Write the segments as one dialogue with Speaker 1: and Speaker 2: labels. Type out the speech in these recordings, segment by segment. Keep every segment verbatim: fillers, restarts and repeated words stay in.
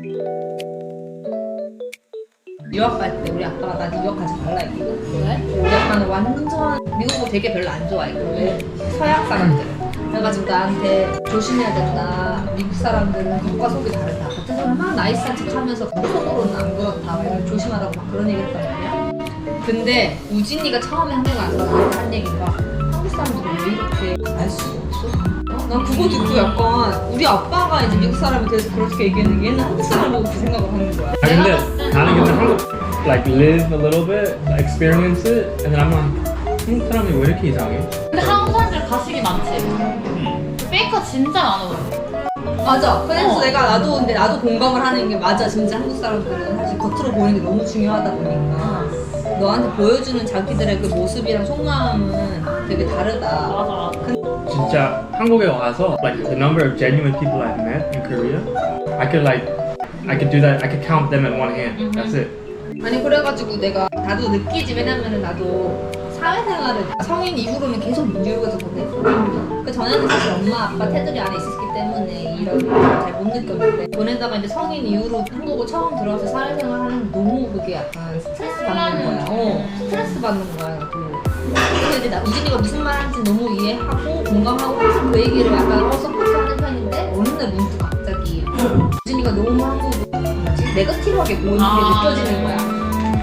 Speaker 1: 유학 갈 때 우리 아빠가 나 유학 가지 말라 했거든.
Speaker 2: 왜?
Speaker 1: 우리 아빠는 완전 미국을 되게 별로 안 좋아했거든. 서양 사람들. 그래가지고 나한테 조심해야 된다. 미국 사람들은 겉과 속이 다르다. 겉에서는 막 나이스한 척하면서 속으로는 안 그렇다. 막 이런 조심하라고 막 그런 얘기했단 말이야. 근데 우진이가 처음에 한국 와서 나한테 한 얘기가 한국 사람들은 왜 이렇게 알 수가 없어? 어? 난 그거 듣고 약간 우리 아빠가 이제 미국 사람에 대해서 그렇게 얘기했는데 얘는 한국 사람 보고 그 생각을 하는 거야.
Speaker 3: 아 근데 나는 근데 한국 like live a little bit, experience it, and then I'm like 한국 사람이 왜 이렇게 이상해?
Speaker 2: 근데 한국 사람들 가식이 많지. 페이커 진짜 많아.
Speaker 1: 맞아. 그래서
Speaker 2: 어.
Speaker 1: 내가 나도 근데 나도 공감을 하는 게 맞아. 진짜 한국 사람들은 사실 겉으로 보이는 게 너무 중요하다 보니까 너한테 보여주는 자기들의 그 모습이랑 속마음은 되게 다르다.
Speaker 2: 맞아.
Speaker 3: 진짜 한국에 와서 like the number of genuine people I've met in Korea, I could like I could do that. I could count them in one hand. That's it.
Speaker 1: 아니 그래가지고 내가 나도 느끼지. 왜냐면은 나도 사회생활을 성인 이후로는 계속 뉴욕에서 보냈거든. 그 전에는 사실 엄마 아빠 테두리 안에 있었기 때문에 이런 걸 잘 못 느꼈는데 보내다가 이제 성인 이후로 한국을 처음 들어와서 사회생활 하는 너무 그게 약간 스트레스 받는 거야. 어, 스트레스 받는 거야 나도. 그래서 이제 나 우진이가 무슨 말 하는지 너무 이해하고 공감하고 항상 그 얘기를 약간 어, 서포트하는 편인데 어느 날 문득 갑자기 우진이가 너무 한국을 뭐지? 네거티브하게 보이는 게
Speaker 2: 아,
Speaker 1: 느껴지는 거야.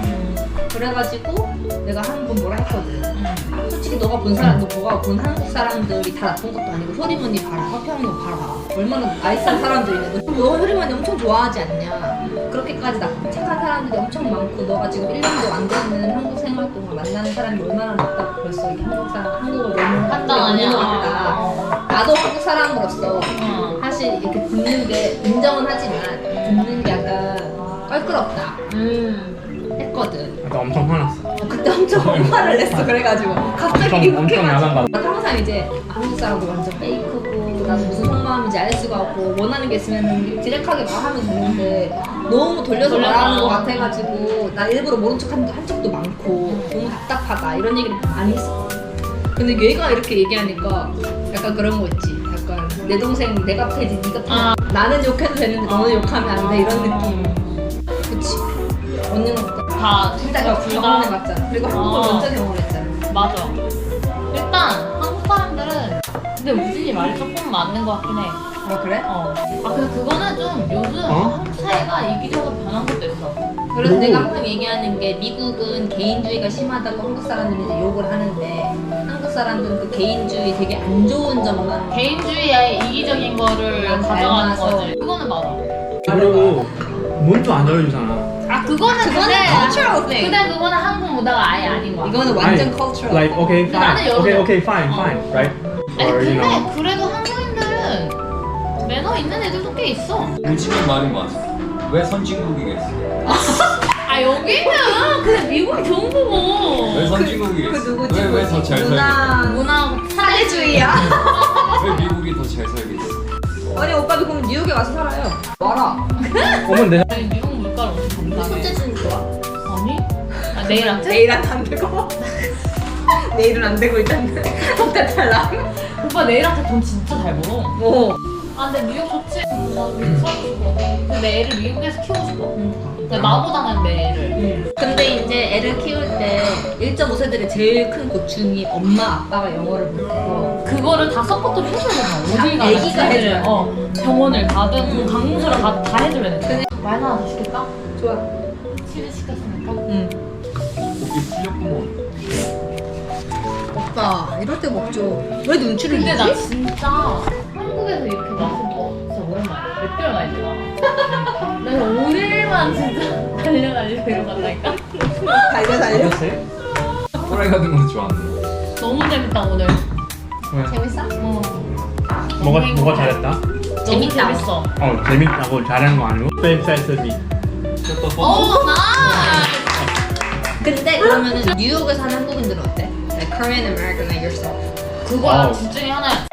Speaker 1: 그래가지고 내가 한 번 뭐라 했거든. 솔직히 너가 본 사람, 너 뭐가 본 한국 사람들이 다 나쁜 것도 아니고 효리머니 봐라, 허평이도 봐라. 얼마나 나이스한 사람들이네. 너, 너 효리머니 엄청 좋아하지 않냐. 그렇게까지 나 착한 사람들이 엄청 많고 너가 지금 일 년도 안 되는 한국 생활 동안 만나는 사람이 얼마나 많다고 벌써 이게 한국 사람, 한국을 너무
Speaker 2: 판단하냐.
Speaker 1: 한국에 없는 것 같다. 나도 한국 사람으로서
Speaker 2: 응.
Speaker 1: 사실 이렇게 듣는 게 인정은 하지만 듣는 게 약간 껄끄럽다
Speaker 2: 음.
Speaker 1: 했거든.
Speaker 3: 나 엄청 화났어.
Speaker 1: 어, 그때 엄청 화를 냈어. 그래가지고 갑자기
Speaker 3: 엄청 엄청 야단
Speaker 1: 이렇게가지고
Speaker 3: 받아.
Speaker 1: 항상 이제 한국 사람들 완전 페이크고 나도 무슨 속마음인지 알 수가 없고 원하는 게 있으면 디렉하게 말하면 되는데 너무 돌려서
Speaker 2: 돌려서.
Speaker 1: 말하는 것 같아가지고 나 일부러 모른 척한 한 적도 많고 너무 답답하다 이런 얘기를 많이 했어. 근데 얘가 이렇게 얘기하니까 약간 그런 거 있지. 약간 내 동생 내가 패지 네가 패.
Speaker 2: 아.
Speaker 1: 나는 욕해도 되는데 너는 욕하면 안 돼 이런 느낌. 그치. 언니는 어때?
Speaker 2: 다
Speaker 1: 둘 다 경험해봤잖아. 그리고 한국을
Speaker 2: 어.
Speaker 1: 먼저 경험했잖아.
Speaker 2: 맞아. 일단 한국 사람들은 근데 우진이 말이 조금 맞는 것 같긴 해.
Speaker 1: 아 그래?
Speaker 2: 어. 아 근데 그거는 좀 요즘
Speaker 3: 어?
Speaker 2: 한국 사회가 이기적으로 변한 것도 있어.
Speaker 1: 그래서
Speaker 3: 그리고-
Speaker 1: 내가 항상 얘기하는 게 미국은 개인주의가 심하다고 한국 사람들이 이제 욕을 하는데 한국 사람들은 그 개인주의 되게 안 좋은 점만
Speaker 2: 개인주의의 이기적인 거를
Speaker 1: 난
Speaker 2: 가져가는
Speaker 1: 닮아서.
Speaker 2: 거지. 그거는 맞아.
Speaker 3: 그리고 문도 안 열어주잖아.
Speaker 2: 아 그거는
Speaker 1: 그거는
Speaker 2: 근데
Speaker 1: cultural thing.
Speaker 2: 근데 그거는 한국 문화가 아예 아닌 거야.
Speaker 1: 이거는 완전
Speaker 3: 아니,
Speaker 1: cultural.
Speaker 3: Like okay,
Speaker 2: 근데 나는
Speaker 3: fine.
Speaker 2: 열어줘.
Speaker 3: Okay, okay, fine,
Speaker 2: 어.
Speaker 3: fine, right?
Speaker 2: 아니
Speaker 3: Or you
Speaker 2: 근데
Speaker 3: know.
Speaker 2: 그래도 한국인들은 매너 있는 애들도 꽤 있어.
Speaker 4: 우진이 말이 맞아. 왜 선진국이겠어?
Speaker 2: 아 여기는 그냥 미국이 좋은 거고.
Speaker 4: 왜 선진국이겠어?
Speaker 1: 그 누구지?
Speaker 4: 왜 왜 더 잘 살겠어?
Speaker 1: 문화
Speaker 2: 문화
Speaker 1: 사회주의야.
Speaker 4: 왜 미국이 더 잘 살겠어?
Speaker 1: 아니 오빠도 그럼 뉴욕에 와서 살아요. 와라.
Speaker 3: 어머 내
Speaker 2: 아니 미국 물가를 엄청 감당해.
Speaker 1: 손재주는 좋아.
Speaker 2: 아니? 아 내일 아트?
Speaker 1: 내일은 안 되고. 내일은 안 되고 일단 호텔 탈락.
Speaker 2: 오빠 내일 아트 돈 진짜 잘 벌어.
Speaker 1: 오.
Speaker 2: 아 근데 뉴욕 좋지. 나 미국 살고 싶어. 근데 내 애를 미국에서 키우고 싶어. 근데 나보다는 내 애를.
Speaker 1: 근데 이제 애를 키울 때 일 점 오 세들의 제일 큰 고충이 엄마 아빠가 영어를 못해서
Speaker 2: 그거를 다 서포트를 해줘야 되나? 어딜
Speaker 1: 다
Speaker 2: 가든
Speaker 1: 애기가
Speaker 2: 애들을,
Speaker 1: 해줘야 돼.
Speaker 2: 어 병원을 가든 강무소를 가든 다 해줘야 돼. 말 하나 더 시킬까?
Speaker 1: 좋아.
Speaker 2: 치즈 시켰으니까.
Speaker 1: 응.
Speaker 4: 고기 풀렸구먼.
Speaker 1: 오빠 이럴 때 먹죠. 왜 눈치를
Speaker 2: 근데 나
Speaker 1: 주지?
Speaker 2: 진짜 한국에서 이렇게 맛은 거 진짜 오랜만이야. 몇 개월 만이야. 내가 오늘만 진짜 달려 달려 데려간다니까.
Speaker 1: 달려 달려.
Speaker 4: 또라이 같은 거 좋아하는데.
Speaker 2: 너무 재밌다 오늘.
Speaker 3: 왜?
Speaker 1: 재밌어?
Speaker 2: 어.
Speaker 3: 뭐가 뭐가 잘했다?
Speaker 2: 너무
Speaker 1: 재밌다.
Speaker 2: 재밌어.
Speaker 3: 어 재밌다고 잘한 거 아니고 Same size as me.
Speaker 2: 어, 나.
Speaker 1: 근데 그러면은 뉴욕에 사는 한국인들은 어때? Like Korean American like yourself.
Speaker 2: 그거야
Speaker 3: 와우.
Speaker 2: 둘 중에 하나야.